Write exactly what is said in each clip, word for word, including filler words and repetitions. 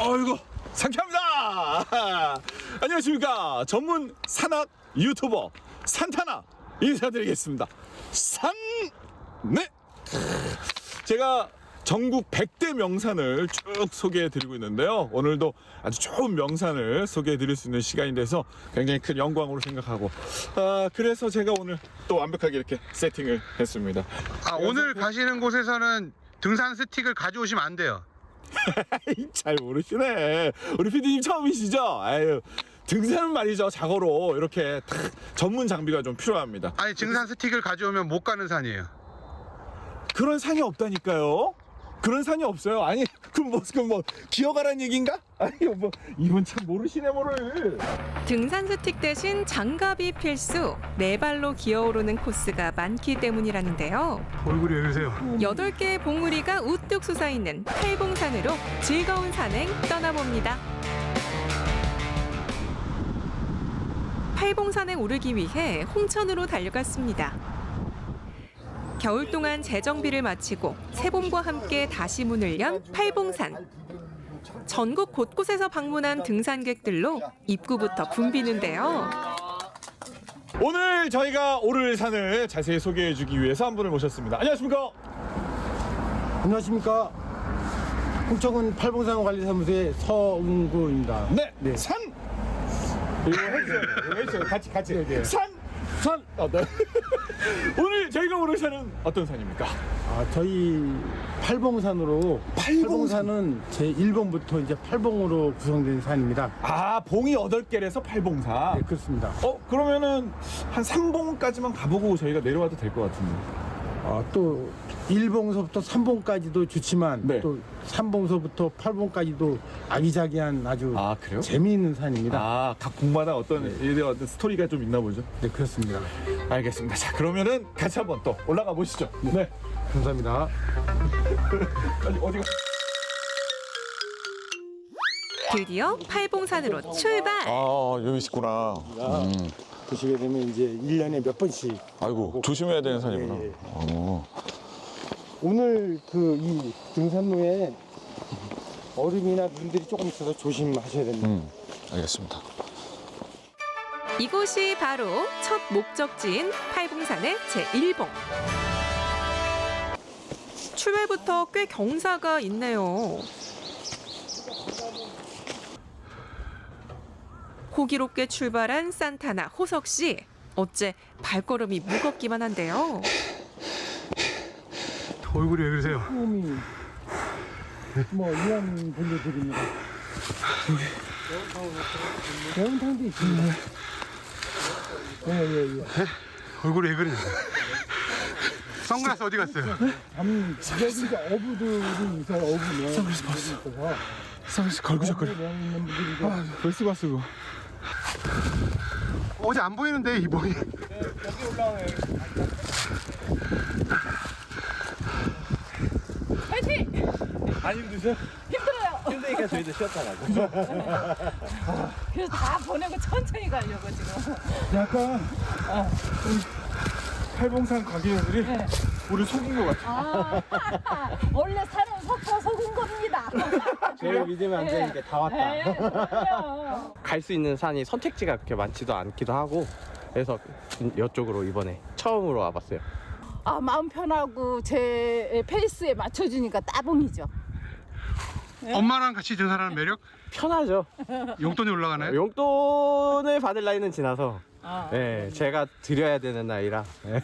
어이구 상쾌합니다. 안녕하십니까, 전문 산악 유튜버 산타나 인사드리겠습니다. 산! 네! 제가 전국 백 대 명산을 쭉 소개해 드리고 있는데요, 오늘도 아주 좋은 명산을 소개해 드릴 수 있는 시간이 돼서 굉장히 큰 영광으로 생각하고, 아, 그래서 제가 오늘 또 완벽하게 이렇게 세팅을 했습니다. 아, 오늘 가시는 곳에서는 등산 스틱을 가져오시면 안 돼요. 잘 모르시네. 우리 피디님 처음이시죠? 아유, 등산은 말이죠, 자고로 이렇게 탁 전문 장비가 좀 필요합니다. 아니, 등산 스틱을 가져오면 못 가는 산이에요. 그런 산이 없다니까요. 그런 산이 없어요. 아니, 그럼 뭐, 그럼 뭐 기어가란 얘기인가? 아니, 뭐 이분 참 모르시네 뭐를. 등산 스틱 대신 장갑이 필수, 네 발로 기어오르는 코스가 많기 때문이라는데요. 얼굴이 왜 그러세요? 여덟 개의 봉우리가 우뚝 솟아있는 팔봉산으로 즐거운 산행 떠나봅니다. 팔봉산에 오르기 위해 홍천으로 달려갔습니다. 겨울 동안 재정비를 마치고 새봄과 함께 다시 문을 연 팔봉산. 전국 곳곳에서 방문한 등산객들로 입구부터 붐비는데요. 오늘 저희가 오를 산을 자세히 소개해 주기 위해서 한 분을 모셨습니다. 안녕하십니까? 안녕하십니까. 홍천군 팔봉산관리사무소의 서운구입니다. 네, 네. 산! 이거 해주세요. 이거 해주세요. 같이, 같이. 네, 네. 산! 산! 어, 네. 오늘 저희가 오를 산은 어떤 산입니까? 아, 저희 팔봉산으로 팔봉산? 팔봉산은 제일 번부터 이제 팔봉으로 구성된 산입니다. 아, 봉이 여덟 개라서 팔봉산. 네, 그렇습니다. 어, 그러면은 한 삼 봉까지만 가보고 저희가 내려와도 될 것 같은데. 아, 또 일 봉서부터 삼 봉까지도 좋지만 네. 또 삼 봉서부터 팔 봉까지도 아기자기한 아주 아, 그래요? 재미있는 산입니다. 아, 각 봉마다 어떤, 네. 어떤 스토리가 좀 있나 보죠? 네, 그렇습니다. 알겠습니다. 자, 그러면은 같이 한번 또 올라가 보시죠. 네. 감사합니다. 어디, 어디가? 드디어 팔봉산으로 출발! 아, 여기 있구나. 음. 보시게 되면 이제 일 년에 몇 번씩. 아이고, 조심해야 되는 산이구나. 예, 예. 어. 오늘 그 이 등산로에 얼음이나 눈들이 조금 있어서 조심하셔야 됩니다. 음, 알겠습니다. 이곳이 바로 첫 목적지인 팔봉산의 제일 봉. 출발부터 꽤 경사가 있네요. 호기롭게 출발한 산타나 호석 씨. 어째 발걸음이 무겁기만 한데요. 얼굴이 왜 그러세요? 처음이 뭐 이한 분들드립니다. 매운탕도 있습니다. 예예예. 얼굴이 왜 그러냐? 선글라스 어디 갔어요? 밤 여기가 어부들이 있어요. 어부면 선글라스 있어서 선글라스 걸고 졌거려. 있는 분들이 아, 벌써 봤어, 그거. 어제 안 보이는데, 이 머리. 여기 올라와요. 파이팅! 안 힘드세요? 힘들어요. 힘드니까 저희도 쉬었다 가고. 그래서 다 보내고 천천히 가려고 지금. 약간 우리 팔봉산 관계자들이 네. 우리 속인 것 같아. 아, 원래 사람 섞어 속은 겁니다. 저를 믿으면 안 되니까 다 왔다. 네, 그럼요. 갈 수 있는 산이 선택지가 그렇게 많지도 않기도 하고, 그래서 이쪽으로 이번에 처음으로 와봤어요. 아, 마음 편하고 제 페이스에 맞춰주니까 따봉이죠. 엄마랑 같이 등산하는 매력? 편하죠. 용돈이 올라가나요? 용돈을 받을 나이는 지나서 아, 네, 제가 드려야 되는 나이라. 네.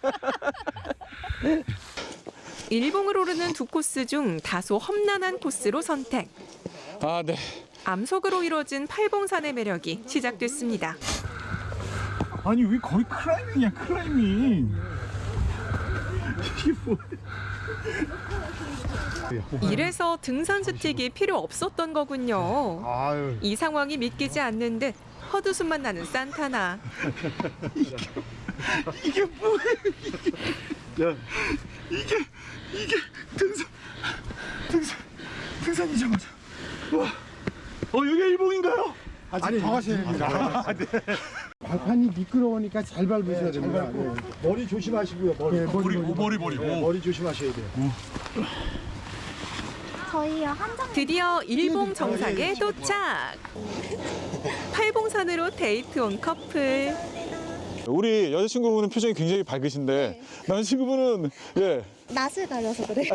일봉을 오르는 두 코스 중 다소 험난한 코스로 선택. 아, 네. 암석으로 이루어진 팔봉산의 매력이 시작됐습니다. 아니, 왜 거의 클라이밍이야, 클라이밍. 이게 뭐야? 이래서 등산 스틱이 필요 없었던 거군요. 아유. 이 상황이 믿기지 않는 듯 헛웃음만 나는 산타나. 이게 뭐야, 이게. 야, 이게, 이게 등산, 등산, 등산이죠, 맞아. 와, 어, 여기 일봉인가요? 아직 더 가셔야 됩니다. 발판이 미끄러우니까 잘 밟으셔야 됩니다. 네. 머리 조심하시고요. 머리. 네, 머리, 머리, 머리, 머리. 네, 머리 조심하셔야 돼요. 저희요 한정. 드디어 일봉 정상에 도착. 팔봉산으로 데이트 온 커플. 우리 여자친구분은 표정이 굉장히 밝으신데 남자친구분은 예. 낯을 가려서 그래.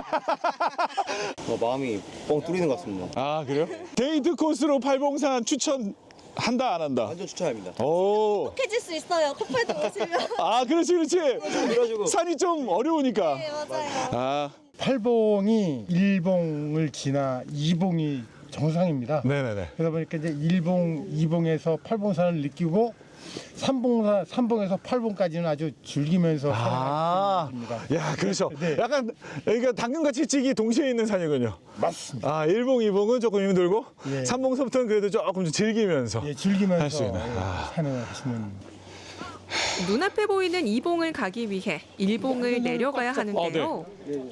어, 마음이 뻥 뚫리는 것 같습니다. 아 그래요? 데이트 코스로 팔봉산 추천한다 안 한다? 완전 추천합니다. 오. 해질 수 있어요. 커플도 오시면. 아 그렇지 그렇지. 그래가지고 산이 좀 어려우니까. 네 맞아요. 아 팔봉이 일봉을 지나 이봉이 정상입니다. 네네네. 그러다 보니까 이제 일봉, 이봉에서 팔봉산을 느끼고 삼봉산, 삼봉에서 팔봉까지는 아주 즐기면서 아, 살아가는 겁니다. 야 그렇죠. 네. 약간 여기가 당근같이 찌기 동시에 있는 산이군요. 맞습니다. 아 일봉, 이봉은 조금 힘들고 예. 삼봉서부터는 그래도 조금 좀 즐기면서. 예, 할수 즐기면서 있는. 예, 아. 산을 하시는. 눈앞에 보이는 이봉을 가기 위해 일봉을 내려가야 하는데요.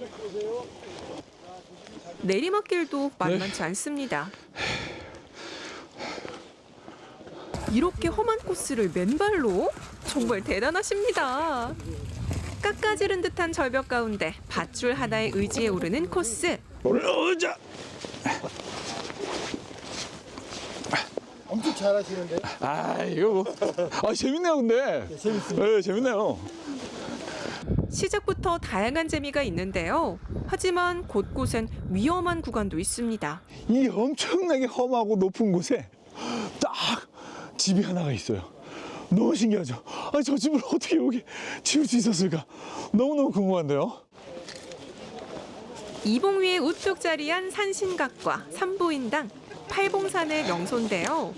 내리막길도 만만치 않습니다. 이렇게 험한 코스를 맨발로? 정말 대단하십니다. 깎아지른 듯한 절벽 가운데 밧줄 하나의 의지에 오르는 코스. 올라오자. 엄청 잘하시는데. 아 이거 뭐. 아 재밌네요 근데. 재밌습니다. 네 재밌네요. 시작부터 다양한 재미가 있는데요. 하지만 곳곳엔 위험한 구간도 있습니다. 이 엄청나게 험하고 높은 곳에 딱 집이 하나가 있어요. 너무 신기하죠? 아니 저 집을 어떻게 여기 지을 수 있었을까? 너무너무 궁금한데요? 이봉 위에 우뚝 자리한 산신각과 산보인당, 팔봉산의 명소인데요.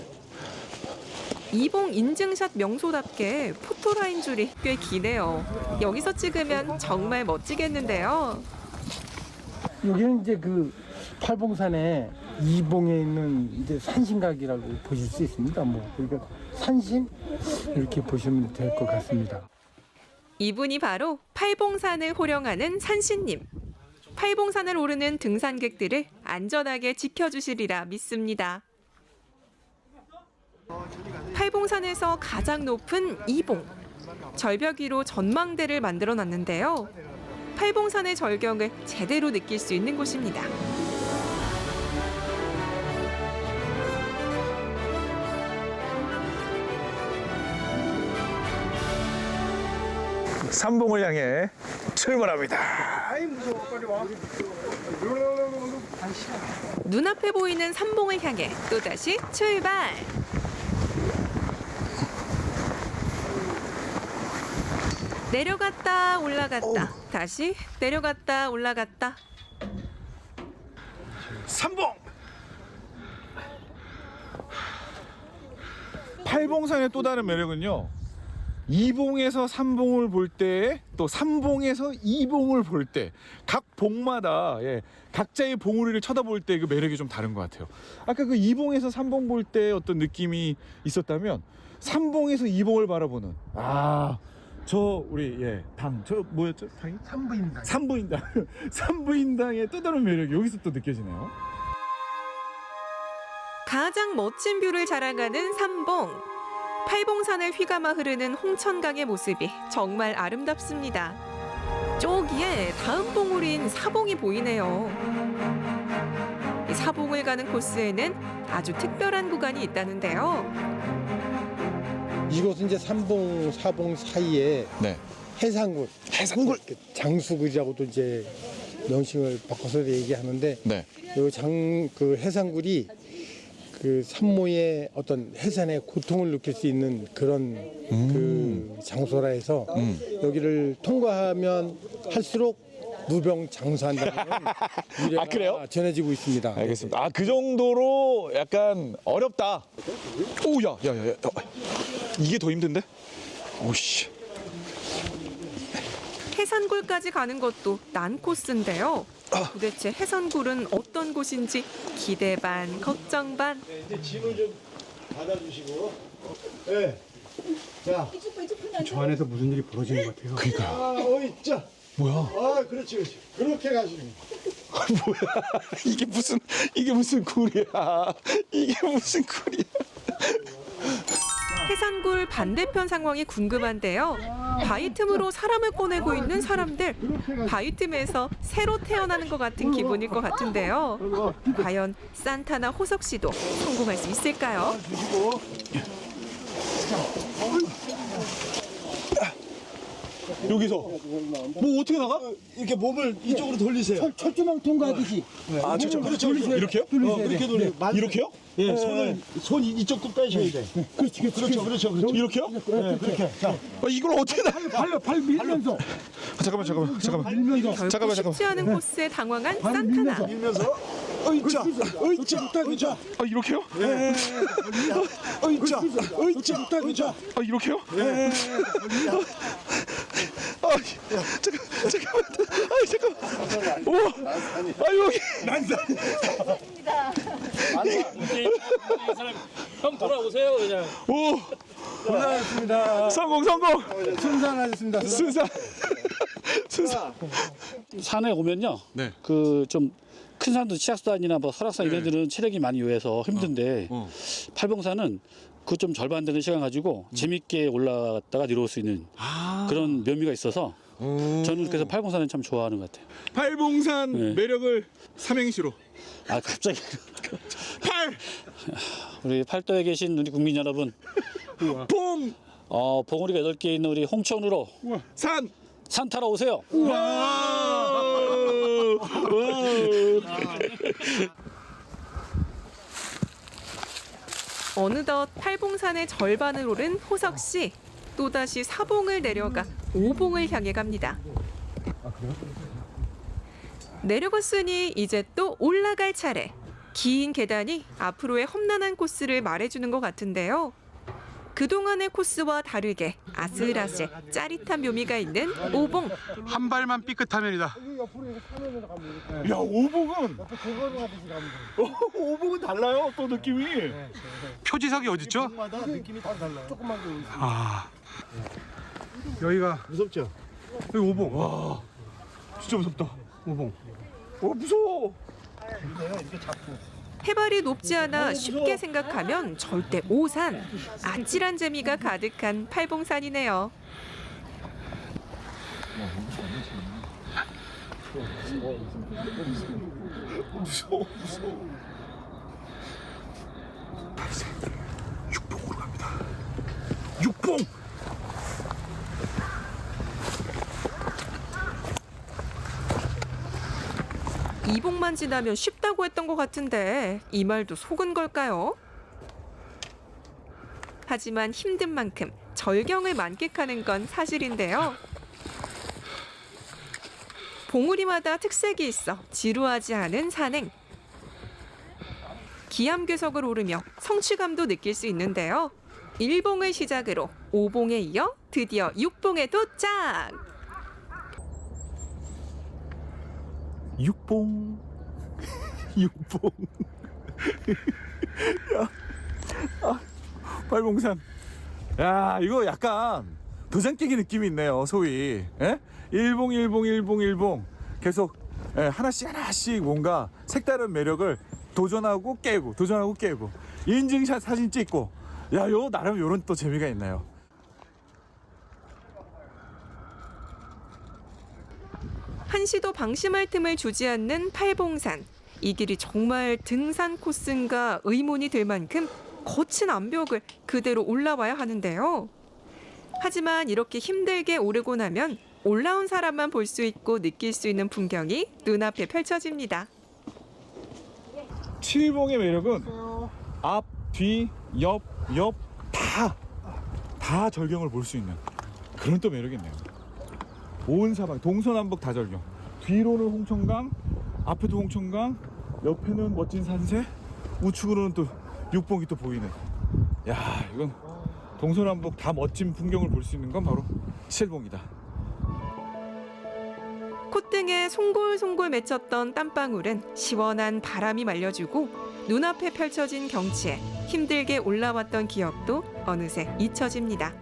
이봉 인증샷 명소답게 포토라인 줄이 꽤 기네요. 여기서 찍으면 정말 멋지겠는데요. 여기는 이제 그 팔봉산에 이봉에 있는 이제 산신각이라고 보실 수 있습니다. 뭐 그러니까 산신 이렇게 보시면 될 것 같습니다. 이분이 바로 팔봉산을 호령하는 산신님. 팔봉산을 오르는 등산객들을 안전하게 지켜주시리라 믿습니다. 팔봉산에서 가장 높은 이봉. 절벽 위로 전망대를 만들어 놨는데요. 팔봉산의 절경을 제대로 느낄 수 있는 곳입니다. 삼봉을 향해 출발합니다. 눈앞에 보이는 삼봉을 향해 또다시 출발! 내려갔다 올라갔다 다시 내려갔다 올라갔다. 삼봉! 팔봉산의 또 다른 매력은요. 이봉에서 삼봉을 볼 때, 또 삼봉에서 이봉을 볼 때, 각 봉마다 예, 각자의 봉우리를 쳐다볼 때 그 매력이 좀 다른 것 같아요. 아까 그 이봉에서 삼봉 볼 때 어떤 느낌이 있었다면, 삼봉에서 이봉을 바라보는 아, 저 우리 예, 당, 저 뭐였죠? 당이? 산부인당. 산부인당, 산부인당의 또 다른 매력이 여기서 또 느껴지네요. 가장 멋진 뷰를 자랑하는 삼봉. 팔봉산을 휘감아 흐르는 홍천강의 모습이 정말 아름답습니다. 저기에 다음 봉우리인 사봉이 보이네요. 이 사봉을 가는 코스에는 아주 특별한 구간이 있다는데요. 이곳은 이제 삼봉, 사봉 사이에 네. 해상굴, 해상굴 장수굴이라고도 이제 명칭을 바꿔서 얘기하는데, 네. 이 장 그 해상굴이 그 산모의 어떤 해산의 고통을 느낄 수 있는 그런 그 장소라 해서 여기를 통과하면 할수록 무병장수한다는 유래가 아, 그래요? 전해지고 있습니다. 알겠습니다. 아 그 정도로 약간 어렵다. 오야 야야야 이게 더 힘든데? 오씨. 해산굴까지 가는 것도 난 코스인데요. 도대체 해산굴은 어떤 곳인지 기대 반, 걱정 반. 이제 짐을 좀 받아주시고. 네. 자, 저 안에서 무슨 일이 벌어지는 것 같아요. 그러니까. 아, 어이, 자. 뭐야? 아, 그렇지, 그렇지. 그렇게 가시는 거. 뭐야? 이게 무슨 이게 무슨 굴이야? 이게 무슨 굴이야? 해산굴 반대편 상황이 궁금한데요. 바위 틈으로 사람을 꺼내고 있는 사람들. 바위 틈에서 새로 태어나는 것 같은 기분일 것 같은데요. 과연 산타나 호석 씨도 성공할 수 있을까요? 여기서 뭐 어떻게 나가? 이렇게 몸을 이쪽으로 돌리세요. 철조망 통과하듯이. 아, 저, 그렇죠. 이렇게요? 어, 그렇게 돌려. 만- 이렇게요? 예, 손을 손 이쪽도 빼셔야 돼. 그렇지, 그렇지. 그렇죠, 그렇죠, 그렇죠. 이렇게요? 예, 그렇게. 자, 아, 이걸 어떻게 나? 발, 발 밀면서. 아, 잠깐만, 잠깐만, 잠깐만. 밀면서. 결국 잠깐만, 쉽지 잠깐만. 않은 코스에 당황한 발 산타나. 밀면서. 밀면서 의자, 의자, 의자, 아, 이렇게요? 의자, 의자, 의자. 아, 이렇게요? 아, 잠깐, 잠깐만. 아, 잠깐만. 오, 아, 여기. 형 돌아오세요 그냥. 오, 고생하셨습니다. 성공, 성공. 순산하셨습니다. 순산. 순산. 산에 오면요. 네. 그 좀 큰 산도 치악산이나 뭐 설악산 이런 데는 체력이 많이 요해서 힘든데 어. 팔봉산은 그 좀 절반 되는 시간 가지고 재밌게 올라갔다가 내려올 수 있는 아. 그런 묘미가 있어서 저는 그래서 팔봉산을 참 좋아하는 것 같아요. 팔봉산 네. 매력을 삼행시로. 아 갑자기 팔, 우리 팔도에 계신 우리 국민 여러분, 봉, 어, 봉우리가 여덟 개 있는 우리 홍천으로 산. 산 타러 오세요. 와. 어느덧 팔봉산의 절반을 오른 호석 씨. 또다시 사봉을 내려가 오봉을 향해 갑니다. 내려갔으니 이제 또 올라갈 차례. 긴 계단이 앞으로의 험난한 코스를 말해주는 것 같은데요. 그동안의 코스와 다르게 아슬아슬 짜릿한 묘미가 있는 오봉. 한 발만 삐끗하면이다. 야, 오봉은. 어, 오봉은 달라요. 또 느낌이. 표지석이 어딨죠? 마다 느낌이 다 달라요. 조금만 더 올리세요. 아, 여기가 무섭죠? 여기 오봉. 와, 진짜 무섭다. 오봉. 어, 무서워. 이렇게 잡고. 해발이 높지 않아 쉽게 생각하면 절대 오산. 아찔한 재미가 가득한 팔봉산이네요. 무서워, 무서워. 육봉으로 갑니다. 육봉. 이봉만 지나면 쉽다고 했던 것 같은데 이 말도 속은 걸까요? 하지만 힘든 만큼 절경을 만끽하는 건 사실인데요. 봉우리마다 특색이 있어 지루하지 않은 산행. 기암괴석을 오르며 성취감도 느낄 수 있는데요. 일봉을 시작으로 오봉에 이어 드디어 육봉에 도착! 육봉. 육봉. 야, 아, 팔봉산. 야, 이거 약간 도장 깨기 느낌이 있네요, 소위. 예? 일봉, 일봉, 일봉, 일봉. 계속 예, 하나씩 하나씩 뭔가 색다른 매력을 도전하고 깨고, 도전하고 깨고. 인증샷 사진 찍고. 야, 요 나름 요런 또 재미가 있네요. 한시도 방심할 틈을 주지 않는 팔봉산. 이 길이 정말 등산 코스인가 의문이 들 만큼 거친 암벽을 그대로 올라와야 하는데요. 하지만 이렇게 힘들게 오르고 나면 올라온 사람만 볼 수 있고 느낄 수 있는 풍경이 눈앞에 펼쳐집니다. 칠봉의 매력은 앞, 뒤, 옆, 옆 다, 다 절경을 볼 수 있는 그런 또 매력이 있네요. 온 사방, 동서남북 다 절경. 뒤로는 홍천강, 앞에도 홍천강, 옆에는 멋진 산세, 우측으로는 또 육봉이 또 보이는. 야, 이건 동서남북 다 멋진 풍경을 볼 수 있는 건 바로 칠봉이다. 콧등에 송골송골 맺혔던 땀방울은 시원한 바람이 말려주고 눈앞에 펼쳐진 경치에 힘들게 올라왔던 기억도 어느새 잊혀집니다.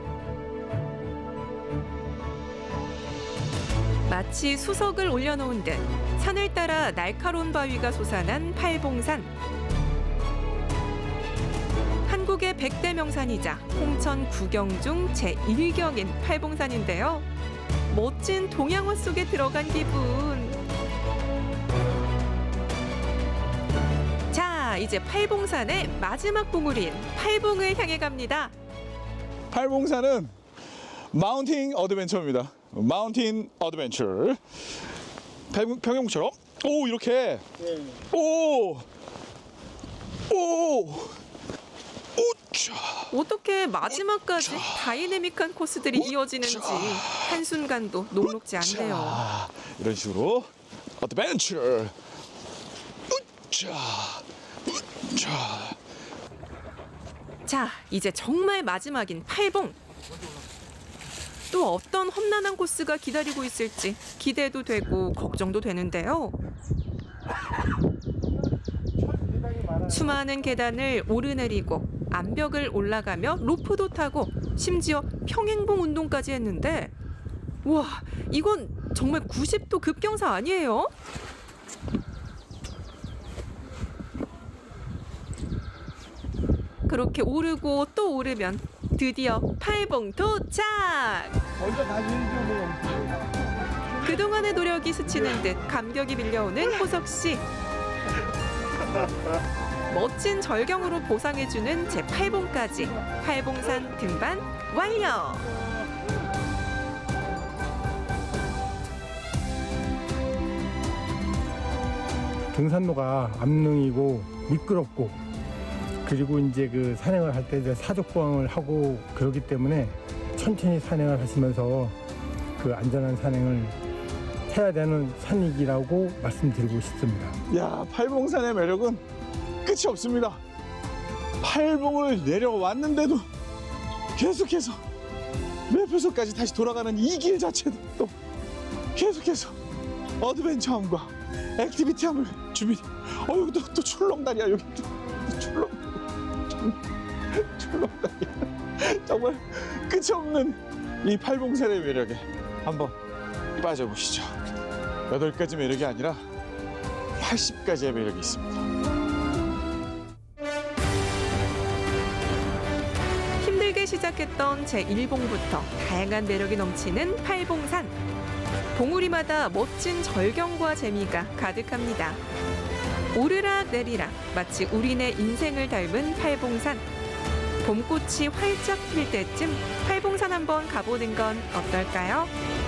마치 수석을 올려놓은 듯 산을 따라 날카로운 바위가 솟아난 팔봉산. 한국 전국의 백대 명산이자 홍천 구경 중 제일 경인 팔봉산인데요. 멋진 동양화 속에 들어간 기분. 자, 이제 팔봉산의 마지막 봉우리인 팔봉을 향해 갑니다. 팔봉산은 마운틴 어드벤처입니다. 마운틴 어드벤처. 평- 평영처럼 오 이렇게 오 오. 오차. 어떻게 마지막까지 다이내믹한 코스들이 이어지는지 한순간도 녹록지 않네요. 자, 이런 식으로 어드벤처. 우차. 우차. 자, 이제 정말 마지막인 팔봉. 또 어떤 험난한 코스가 기다리고 있을지 기대도 되고 걱정도 되는데요. 수많은 계단을 오르내리고 암벽을 올라가며 로프도 타고 심지어 평행봉 운동까지 했는데 와, 이건 정말 구십 도 급경사 아니에요? 그렇게 오르고 또 오르면 드디어 팔봉 도착! 그동안의 노력이 스치는 듯 감격이 밀려오는 호석 씨. 멋진 절경으로 보상해주는 제팔봉까지 팔봉산 등반 완료! 등산로가 암릉이고 미끄럽고 그리고 이제 그 산행을 할 때 이제 사족보행을 하고 그러기 때문에 천천히 산행을 하시면서 그 안전한 산행을 해야 되는 산이라고 말씀드리고 싶습니다. 야, 팔봉산의 매력은 끝이 없습니다. 팔봉을 내려왔는데도 계속해서 매표소까지 다시 돌아가는 이 길 자체도 또 계속해서 어드벤처함과 액티비티함을 준비. 어, 여기 또, 또 출렁다리야. 여기 또, 또 출렁, 출렁다리야. 정말 끝이 없는 이 팔봉산의 매력에 한번 빠져보시죠. 여덟 가지 매력이 아니라 팔십 가지의 매력이 있습니다. 힘들게 시작했던 제일봉부터 다양한 매력이 넘치는 팔봉산. 봉우리마다 멋진 절경과 재미가 가득합니다. 오르락 내리락 마치 우리네 인생을 닮은 팔봉산. 봄꽃이 활짝 필 때쯤 팔봉산 한번 가보는 건 어떨까요?